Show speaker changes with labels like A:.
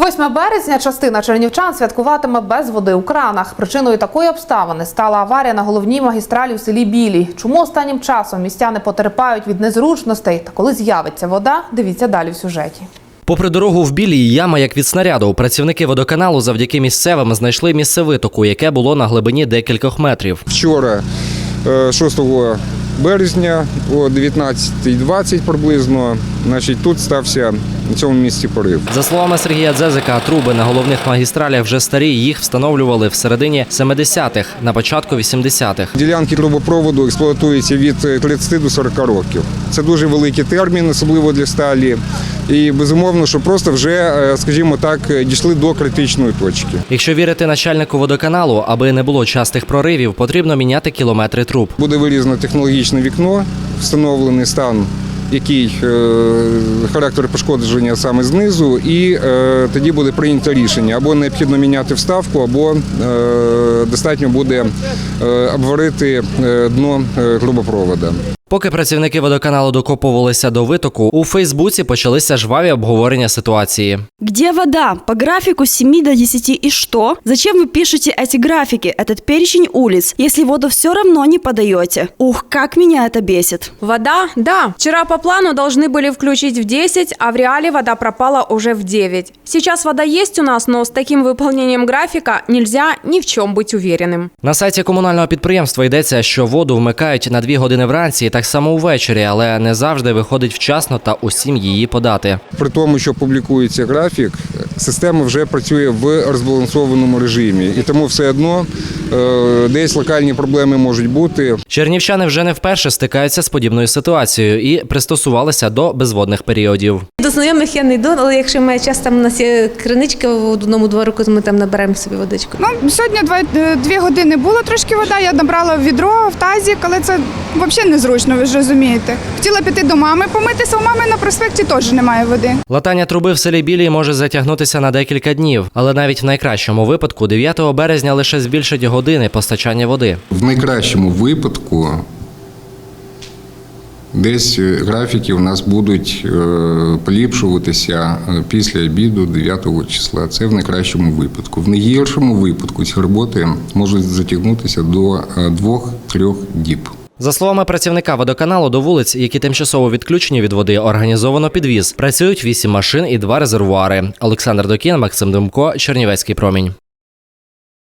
A: 8 березня частина чернівчан святкуватиме без води у кранах. Причиною такої обставини стала аварія на головній магістралі в селі Білій. Чому останнім часом містяни потерпають від незручностей та коли з'явиться вода, дивіться далі в сюжеті.
B: Попри дорогу в Білій, яма як від снаряду. Працівники водоканалу завдяки місцевим знайшли місце витоку, яке було на глибині декількох метрів.
C: Вчора, 6 березня, о 19:20 приблизно, тут стався на цьому місці порив.
B: За словами Сергія Дзезика, труби на головних магістралях вже старі, їх встановлювали в середині 70-х, на початку 80-х.
C: Ділянки трубопроводу експлуатуються від 30 до 40 років. Це дуже великий термін, особливо для сталі. І безумовно, що просто вже, скажімо так, дійшли до критичної точки.
B: Якщо вірити начальнику водоканалу, аби не було частих проривів, потрібно міняти кілометри труб.
C: Буде вирізано технологічне вікно, встановлений стан, який характер пошкодження саме знизу, і тоді буде прийнято рішення. Або необхідно міняти вставку, або достатньо буде обварити дно трубопроводу.
B: Поки працівники водоканалу докопувалися до витоку, у Фейсбуці почалися жваві обговорення ситуації.
D: Где вода? По графику с 7 до 10 и что? Зачем вы пишете эти графики, этот перечень улиц, если воду все равно не подаете? Ух, как меня это бесит.
E: Вода? Да. Вчера по плану должны были включить в 10, а в реале вода пропала уже в 9. Сейчас вода есть у нас, но с таким выполнением графика нельзя ни в чем быть уверенным.
B: На сайті комунального підприємства йдеться, що воду вмикають на 2 години вранці, так само увечері, але не завжди виходить вчасно та усім її подати.
C: При тому, що публікується графік, система вже працює в розбалансованому режимі. І тому все одно десь локальні проблеми можуть бути.
B: Чернівчани вже не вперше стикаються з подібною ситуацією і пристосувалися до безводних періодів.
F: До знайомих я не йду, але якщо ми часто, у нас є криничка в одному дворику, то ми там наберемо собі водичку.
G: Сьогодні 2 години було трошки вода, я набрала в відро, в тазик, але це взагалі незручно, ви ж розумієте. Хотіла піти до мами помитися, у мами на проспекті теж немає води.
B: Латання труби в селі Білій може затягнутися на декілька днів, але навіть в найкращому випадку 9 березня лише збільшить години постачання води.
C: В найкращому випадку десь графіки у нас будуть поліпшуватися після обіду 9 числа. Це в найкращому випадку. В найгіршому випадку ці роботи можуть затягнутися до 2-3 діб.
B: За словами працівника водоканалу, до вулиць, які тимчасово відключені від води, організовано підвіз. Працюють 8 машин і 2 резервуари. Олександр Докін, Максим Демко, Чернівецький промінь.